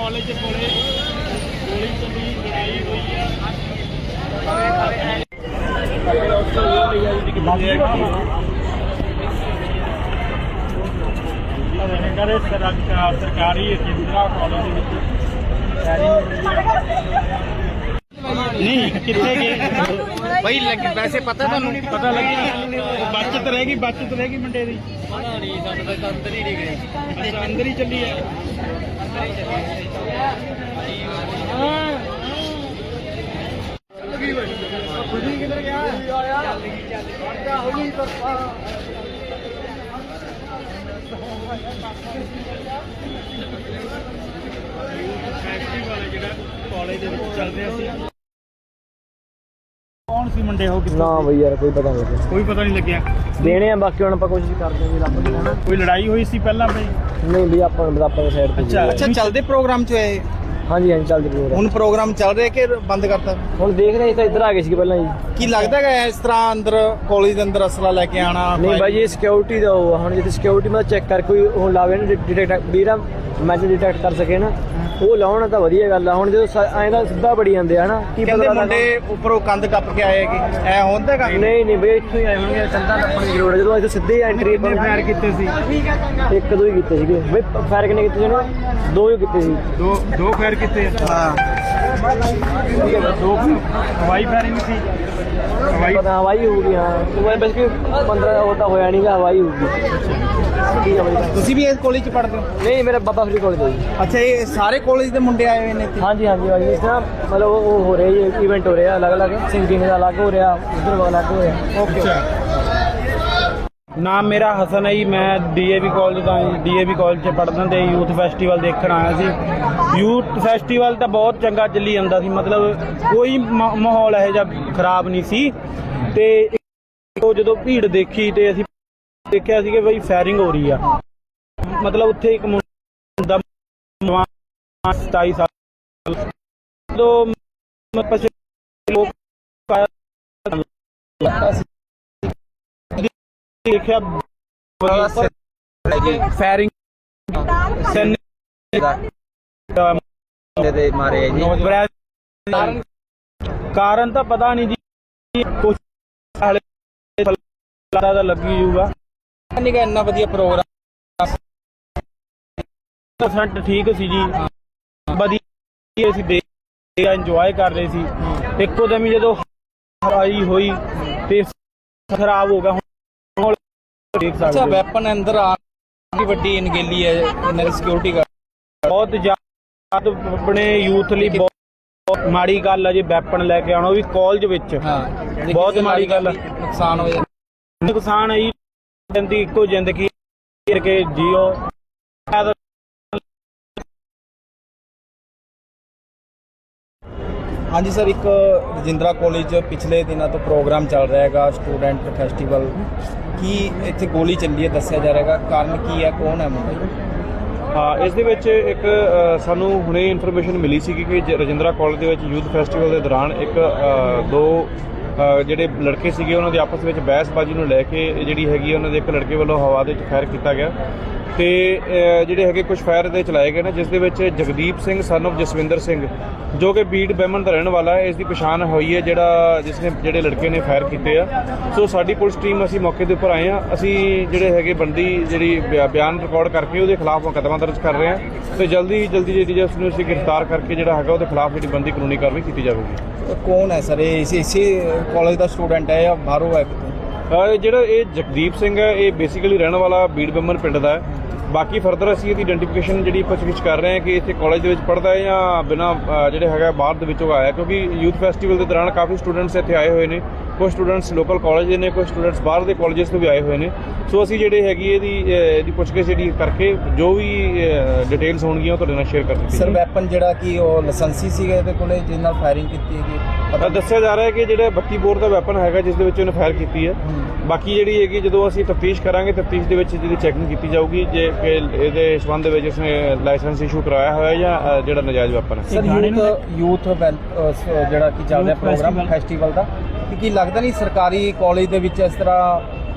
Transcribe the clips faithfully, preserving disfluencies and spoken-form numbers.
College ਕੋਲੇ ਗੋਲੀ ਚੱਲੀ, ਲੜਾਈ ਹੋਈ ਆ। ਕਹਿੰਦੇ ਸਰਕਾਰੀ ਰਜਿੰਦਰਾ ਕਾਲਜ ਦੇ ਵਿੱਚ नहीं कितने के भाई लगे वैसे पता थानू पता लगे बचत रहेगी बचत रहेगी मुंडे दी अंदर ही नहीं गए अच्छा अंदर ही चली है किधर गया फैक्ट्री वाले जो कॉलेज चल रहा सी कौन सी मुंडे हो ना भाई यार कोई पता नहीं कोई पता नहीं लग्या देने हैं बाकी हम कोशिश करते हैं रब की है कोई लड़ाई हुई सी पहला भाई नहीं भी आप आप साइड अच्छा अच्छा चलते प्रोग्राम च है हाँ जी हाँ जी चलते प्रोग्राम ਹੁਣ ਪ੍ਰੋਗਰਾਮ ਚੱਲ ਰਿਹਾ ਕਿ ਬੰਦ ਕਰਤਾ ਹੁਣ ਦੇਖ ਰਹੇ ਤਾਂ ਇੱਧਰ ਆ ਗਏ ਸੀ ਪਹਿਲਾਂ ਜੀ ਕੀ ਲੱਗਦਾ ਹੈ ਇਸ ਤਰ੍ਹਾਂ ਅੰਦਰ ਕਾਲਜ ਦੇ ਅੰਦਰ ਅਸਲਾ ਲੈ ਕੇ ਆਣਾ ਨਹੀਂ ਭਾਈ ਇਹ ਸਿਕਿਉਰਿਟੀ ਦਾ ਉਹ ਹੁਣ ਜਿੱਥੇ ਸਿਕਿਉਰਿਟੀ ਮੈਂ ਚੈੱਕ ਕਰ ਕੋਈ ਹੁਣ ਲਾਵੇ ਨਾ ਡਿਟੈਕਟ ਵੀਰਾ ਮੈਸੇਜ ਡਿਟੈਕਟ ਕਰ ਸਕੇ ਨਾ ਉਹ ਲਾਉਣਾ ਤਾਂ ਵਧੀਆ ਗੱਲ ਆ ਹੁਣ ਜਦੋਂ ਐਂ ਦਾ ਸਿੱਧਾ ਬੜੀ ਜਾਂਦੇ ਆ ਨਾ ਕੀ ਪਤਾ ਮੁੰਡੇ ਉੱਪਰੋਂ ਕੰਧ ਟੱਪ ਕੇ ਆਏ ਕਿ ਐ ਹੁੰਦਾ ਕੰਮ ਨਹੀਂ ਨਹੀਂ ਬਈ ਇੱਥੋਂ ਹੀ ਆਏ ਹੋਣਗੇ ਕੰਧਾਂ ਟੱਪਣ ਦੀ ਜ਼ਰੂਰ ਹੈ ਜਦੋਂ ਇੱਥੇ ਸਿੱਧੇ ਐਂਟਰੀ ਫਾਇਰ ਕੀਤੇ ਸੀ ਇੱਕ ਦੋ ਹੀ ਕੀਤੇ ਸੀਗੇ ਬਈ ਫਾਇਰ ਕਿੰਨੇ ਕੀਤੇ ਸੀ ਨਾ ਦੋ ਹੀ ਕੀਤੇ ਸੀ ਦੋ ਦੋ ਫਾਇਰ ਕੀਤੇ ਹਾਂ ਦੋ ਹਵਾਈ ਫਾਇਰਿੰਗ ਸੀ ਹਵਾਈ ਪਤਾ ਹਵਾਈ ਹੋ ਗਈ ਹਾਂ ਮੈਂ ਬਸ ਕਿ ਪੰਦਰਾਂ ਉਹ ਤਾਂ ਹੋਇਆ ਨਹੀਂਗਾ ਹਵਾਈ ਹੋਊਗੀ ਠੀਕ ਹੈ ਬਾਈ ਤੁਸੀਂ ਵੀ ਇਸ ਕਾਲਜ ਚ ਪੜ੍ਹਦੇ ਹੋ ਨਹੀਂ ਮੇਰਾ ਬਾਬਾ ਫਰੀ ਕਾਲਜ ਦਾ ਜੀ ਅੱਛਾ ਇਹ ਸਾਰੇ ਕਾਲਜ ਦੇ ਮੁੰਡੇ ਆਏ ਹੋਏ ਨੇ ਇੱਥੇ ਹਾਂਜੀ ਹਾਂਜੀ ਭਾਈ ਇਸ ਤਰ੍ਹਾਂ ਮਤਲਬ ਉਹ ਹੋ ਰਿਹਾ ਜੀ ਇਵੈਂਟ ਹੋ ਰਿਹਾ ਅਲੱਗ ਅਲੱਗ ਸਿੰਗਿੰਗ ਦਾ ਅਲੱਗ ਹੋ ਰਿਹਾ ਉਧਰ ਅਲੱਗ ਹੋ ਰਿਹਾ ਓਕੇ ਨਾਮ ਮੇਰਾ ਹਸਨ ਹੈ ਜੀ ਮੈਂ ਡੀਏਵੀ ਕਾਲਜ ਦਾ ਡੀਏਵੀ ਕਾਲਜ 'ਚ ਪੜ੍ਹਦਾ ਤੇ ਯੂਥ ਫੈਸਟੀਵਲ ਦੇਖਣ ਆਇਆ ਸੀ ਯੂਥ ਫੈਸਟੀਵਲ ਤਾਂ ਬਹੁਤ ਚੰਗਾ ਚੱਲੀ ਜਾਂਦਾ ਸੀ ਮਤਲਬ ਕੋਈ ਮਾਹੌਲ ਇਹੋ ਜਿਹਾ ਖਰਾਬ ਨਹੀਂ ਸੀ ਤੇ ਉਹ ਜਦੋਂ ਭੀੜ ਦੇਖੀ ਤੇ ਅਸੀਂ ਦੇਖਿਆ ਸੀ ਕਿ ਬਈ ਫਾਇਰਿੰਗ ਹੋ ਰਹੀ ਆ ਮਤਲਬ ਉੱਥੇ ਇੱਕ ਮੁੰਡਾ ਸਤਾਈ ਸਾਲ ਜਦੋਂ ਲੋਕ ਦੇਖਿਆ ਫਾਇਰਿੰਗ ਦੇ ਮਾਰੇ ਜੀ ਕਾਰਨ ਤਾਂ ਪਤਾ ਨਹੀਂ ਜੀ ਕੁਝ ਦਾ ਲੱਗੀ ਜੂਗਾ ਨਹੀਂ ਕਿ ਇੰਨਾ ਵਧੀਆ ਪ੍ਰੋਗਰਾਮ ਪਰਸੈਂਟ ਠੀਕ ਸੀ ਜੀ ਵਧੀਆ ਅਸੀਂ ਦੇਖ ਇੰਜੋਏ ਕਰ ਰਹੇ ਸੀ ਇੱਕੋ ਦਮ ਜਦੋਂ ਹਵਾਈ ਹੋਈ ਤੇ ਖਰਾਬ ਹੋ ਗਿਆ ਹੁਣ ਦੇਖ ਸਕਦੇ ਅੱਛਾ ਵੈਪਨ ਅੰਦਰ ਆ ਕੀ ਵੱਡੀ ਅਣਗਹਿਲੀ ਹੈ ਇਹਨਾਂ ਦੀ ਸਿਕਿਉਰਿਟੀ ਦਾ ਬਹੁਤ ਜ਼ਿਆਦਾ ਆਪਣੇ ਯੂਥ ਲਈ ਬਹੁਤ ਮਾੜੀ ਗੱਲ ਹੈ ਜੇ ਵੈਪਨ ਲੈ ਕੇ ਆਉਣਾ ਉਹ ਵੀ ਕਾਲਜ ਵਿੱਚ ਬਹੁਤ ਮਾੜੀ ਗੱਲ ਨੁਕਸਾਨ ਹੋ ਜਾਂਦਾ ਨੁਕਸਾਨ ਹੈ ਜੀ ਦੀ ਇੱਕੋ ਜ਼ਿੰਦਗੀ ਕਰਕੇ ਜੀਓ ਹਾਂਜੀ ਸਰ ਇੱਕ ਰਜਿੰਦਰਾ ਕਾਲਜ ਪਿਛਲੇ ਦਿਨਾਂ ਤੋਂ ਪ੍ਰੋਗਰਾਮ ਚੱਲ ਰਿਹਾ ਹੈਗਾ ਸਟੂਡੈਂਟ ਫੈਸਟੀਵਲ ਕੀ ਇੱਥੇ ਗੋਲੀ ਚੱਲੀ ਹੈ ਦੱਸਿਆ ਜਾ ਰਿਹਾ ਹੈਗਾ ਕਾਰਨ ਕੀ ਹੈ ਕੌਣ ਹੈ ਮੁੰਡਾ ਹਾਂ ਇਸ ਦੇ ਵਿੱਚ ਇੱਕ ਸਾਨੂੰ ਹੁਣੇ ਇਨਫੋਰਮੇਸ਼ਨ ਮਿਲੀ ਸੀ ਕਿ ਰਜਿੰਦਰਾ ਕਾਲਜ ਦੇ ਵਿੱਚ ਯੂਥ ਫੈਸਟੀਵਲ ਦੇ ਦੌਰਾਨ ਇੱਕ ਦੋ ਜਿਹੜੇ ਲੜਕੇ ਸੀਗੇ ਉਹਨਾਂ ਦੇ ਆਪਸ ਵਿੱਚ ਬਹਿਸਬਾਜ਼ੀ ਨੂੰ ਲੈ ਕੇ ਜਿਹੜੀ ਹੈਗੀ ਉਹਨਾਂ ਦੇ ਇੱਕ ਲੜਕੇ ਵੱਲੋਂ ਹਵਾ ਦੇ ਵਿੱਚ ਫਾਇਰ ਕੀਤਾ ਗਿਆ ਤੇ ਜਿਹੜੇ ਹੈਗੇ ਕੁਝ ਫਾਇਰ ਦੇ ਚਲਾਏ ਗਏ ਨੇ ਜਿਸ ਦੇ ਵਿੱਚ ਜਗਦੀਪ ਸਿੰਘ ਸਨ ਆਫ ਜਸਵਿੰਦਰ ਸਿੰਘ ਜੋ ਕਿ ਬੀੜ ਬਹਿਮਨ ਦਾ ਰਹਿਣ ਵਾਲਾ ਹੈ ਇਸ ਦੀ ਪਛਾਣ ਹੋਈ ਹੈ ਜਿਹੜਾ ਜਿਸ ਨੇ ਜਿਹੜੇ ਲੜਕੇ ਨੇ ਫਾਇਰ ਕੀਤੇ ਆ ਸੋ ਸਾਡੀ ਪੁਲਿਸ ਟੀਮ ਅਸੀਂ ਮੌਕੇ ਦੇ ਉੱਪਰ ਆਏ ਆ ਅਸੀਂ ਜਿਹੜੇ ਹੈਗੇ ਬੰਦੀ ਜਿਹੜੀ ਬਿਆਨ ਰਿਕਾਰਡ ਕਰਕੇ ਉਹਦੇ ਖਿਲਾਫ ਮੁਕੱਦਮਾ ਦਰਜ ਕਰ ਰਹੇ ਆ ਤੇ ਜਲਦੀ ਜਲਦੀ ਜਿਹੜੀ ਉਸ ਨੂੰ ਅਸੀਂ ਗ੍ਰਿਫਤਾਰ ਕਰਕੇ ਜਿਹੜਾ ਹੈਗਾ ਉਹਦੇ ਖਿਲਾਫ ਜਿਹੜੀ ਬੰਦੀ ਕਾਨੂੰਨੀ ਕਾਰਵਾਈ ਕੀਤੀ ਜਾਵੇਗੀ ਕੌਣ ਹੈ ਸਰ ਇਹ ਇਸੇ ਕਾਲਜ ਦਾ ਸਟੂਡੈਂਟ ਹੈ ਜਾਂ ਬਾਹਰੋਂ ਹੈ ਕਿਤੋਂ ਜਿਹੜਾ ਇਹ ਜਗਦੀਪ ਸਿੰਘ ਹੈ ਇਹ ਬੇਸਿਕਲੀ ਰਹਿਣ ਵਾਲਾ ਬੀੜ ਬਹਿਮਨ ਪਿੰਡ ਦਾ ਹੈ ਬਾਕੀ ਫਰਦਰ ਅਸੀਂ ਇਹਦੀ ਆਇਡੈਂਟੀਫਿਕੇਸ਼ਨ ਜਿਹੜੀ ਪੁੱਛਗਿੱਛ ਕਰ ਰਹੇ ਹਾਂ ਕਿ ਇੱਥੇ ਕਾਲਜ ਦੇ ਵਿੱਚ ਪੜ੍ਹਦਾ ਹੈ ਜਾਂ ਬਿਨਾਂ ਜਿਹੜੇ ਹੈਗਾ ਬਾਹਰ ਦੇ ਵਿੱਚੋਂ ਆਇਆ ਕਿਉਂਕਿ ਯੂਥ ਫੈਸਟੀਵਲ ਦੇ ਦੌਰਾਨ ਕਾਫੀ ਸਟੂਡੈਂਟਸ ਇੱਥੇ ਆਏ ਹੋਏ ਨੇ ਕੁਝ ਸਟੂਡੈਂਟਸ ਲੋਕਲ ਕਾਲਜ ਦੇ ਨੇ ਕੁਝ ਸਟੂਡੈਂਟਸ ਬਾਹਰ ਦੇ ਕਾਲਜਸ ਤੋਂ ਵੀ ਆਏ ਹੋਏ ਨੇ ਸੋ ਅਸੀਂ ਜਿਹੜੇ ਹੈਗੀ ਇਹਦੀ ਇਹਦੀ ਪੁੱਛਗਿੱਛ ਜਿਹੜੀ ਕਰਕੇ ਜੋ ਵੀ ਡਿਟੇਲਸ ਹੋਣਗੀਆਂ ਉਹ ਤੁਹਾਡੇ ਨਾਲ ਸ਼ੇਅਰ ਕਰ ਦਿੱਤੀ ਸਰ ਵੈਪਨ ਜਿਹੜਾ ਕਿ ਉਹ ਲਾਇਸੈਂਸੀ ਸੀਗਾ ਇਹਦੇ ਕੋਲੇ ਜਿਸ ਨਾਲ ਫਾਇਰਿੰਗ ਕੀਤੀ ਹੈਗੀ ਪਤਾ ਦੱਸਿਆ ਜਾ ਰਿਹਾ ਹੈ ਕਿ ਜਿਹੜਾ ਬੱਤੀ ਬੋਰ ਦਾ ਵੈਪਨ ਹੈਗਾ ਜਿਸ ਦੇ ਵਿੱਚ ਉਹਨੇ ਫਾਇਰ ਕੀਤੀ ਹੈ ਬਾਕੀ ਜਿਹੜੀ ਹੈਗੀ ਜਦੋਂ ਅਸੀਂ ਤਫਤੀਸ਼ ਕਰਾਂਗੇ ਤਫਤੀਸ਼ ਦੇ ਵਿੱਚ ਜਿਹਦੀ ਚੈਕਿੰਗ ਕੀਤੀ ਜਾਊਗੀ ਜੇ ਇਹਦੇ ਸੰਬੰਧ ਦੇ ਵਿੱਚ ਉਸਨੇ ਲਾਇਸੈਂਸ ਇਸ਼ੂ ਕਰਵਾਇਆ ਹੋਇਆ ਜਾਂ ਜਿਹੜਾ ਨਜਾਇਜ਼ ਵੈਪਨ ਹੈ ਸਰ ਯੂਥ ਯੂਥ ਜਿਹੜਾ ਕਿ ਚੱਲ ਰਿਹਾ ਪ੍ਰੋਗਰਾਮ ਫੈਸਟੀਵਲ ਦਾ ਕੀ ਲੱਗਦਾ ਨਹੀਂ ਸਰਕਾਰੀ ਕਾਲਜ ਦੇ ਵਿੱਚ ਇਸ ਤਰ੍ਹਾਂ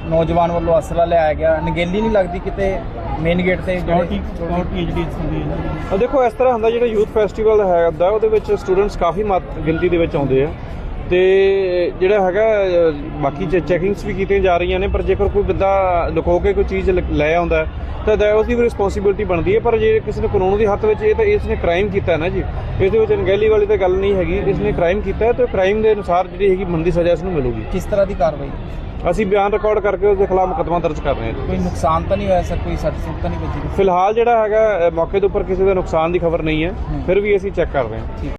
ਨੌਜਵਾਨ ਵੱਲੋਂ ਅਸਲਾ ਲਿਆਇਆ ਗਿਆ, ਨਗੇਲੀ ਨਹੀਂ ਲੱਗਦੀ ਕਿਤੇ ਮੇਨ ਗੇਟ ਤੇ ਸਿਕਿਉਰਿਟੀ ਸਿਕਿਉਰਿਟੀ ਜਿਹੜੀ ਹੁੰਦੀ ਹੈ ਅ ਦੇਖੋ ਇਸ ਤਰ੍ਹਾਂ ਹੁੰਦਾ ਜਿਹੜਾ ਯੂਥ ਫੈਸਟੀਵਲ ਹੈਗਾ ਉਹਦੇ ਵਿੱਚ ਸਟੂਡੈਂਟਸ ਕਾਫੀ ਮਾਤ ਗਿਣਤੀ ਦੇ ਵਿੱਚ ਆਉਂਦੇ ਆ ਤੇ ਜਿਹੜਾ ਹੈਗਾ ਅ, ਬਾਕੀ ਚੈਕਿੰਗਸ ਵੀ ਕੀਤੀਆਂ ਜਾ ਰਹੀਆਂ ਨੇ, ਪਰ ਜੇਕਰ ਕੋਈ ਬੰਦਾ ਲੁਕੋ ਕੇ ਕੋਈ ਚੀਜ਼ ਲ- ਲੈ ਆਉਂਦਾ ਤਾਂ ਦਾ ਉਸਦੀ ਵੀ ਰਿਸਪੌਂਸਿਬਿਲਟੀ ਬਣਦੀ ਹੈ। ਪਰ ਜੇ ਕਿਸੇ ਨੇ ਕਾਨੂੰਨ ਦੇ ਹੱਥ ਵਿੱਚ ਇਹ ਤਾਂ ਇਸ ਨੇ ਕ੍ਰਾਈਮ ਕੀਤਾ ਹੈ ਨਾ ਜੀ, ਇਹਦੇ ਵਿੱਚ ਅਣਗਹਿਲੀ ਵਾਲੀ ਤਾਂ ਗੱਲ ਨਹੀਂ ਹੈਗੀ। ਇਸ ਨੇ ਕ੍ਰਾਈਮ ਕੀਤਾ ਹੈ ਤੇ ਕ੍ਰਾਈਮ ਦੇ ਅਨੁਸਾਰ ਜਿਹੜੀ ਹੈਗੀ ਬਣਦੀ ਸਜ਼ਾ ਇਸ ਨੂੰ ਮਿਲੂਗੀ। ਕਿਸ ਤਰ੍ਹਾਂ ਦੀ ਕਾਰਵਾਈ? ਅਸੀਂ ਬਿਆਨ ਰਿਕਾਰਡ ਕਰਕੇ ਉਸ ਦੇ ਖਿਲਾਫ ਮੁਕੱਦਮਾ ਦਰਜ ਕਰ ਰਹੇ ਹਾਂ ਜੀ। ਕੋਈ ਨੁਕਸਾਨ ਤਾਂ ਨਹੀਂ ਹੋਇਆ ਸਰ, ਕੋਈ ਸੱਟ ਸੁੱਟ ਤਾਂ ਨਹੀਂ ਵੱਜੀ? ਫਿਲਹਾਲ ਜਿਹੜਾ ਹੈਗਾ ਅ, ਮੌਕੇ ਦੇ ਉੱਪਰ ਕਿਸੇ ਦਾ ਨੁਕਸਾਨ ਦੀ ਖਬਰ ਨਹੀਂ ਹੈ, ਫਿਰ ਵੀ ਅਸੀਂ ਚੈੱਕ ਕਰ ਰਹੇ ਹਾਂ।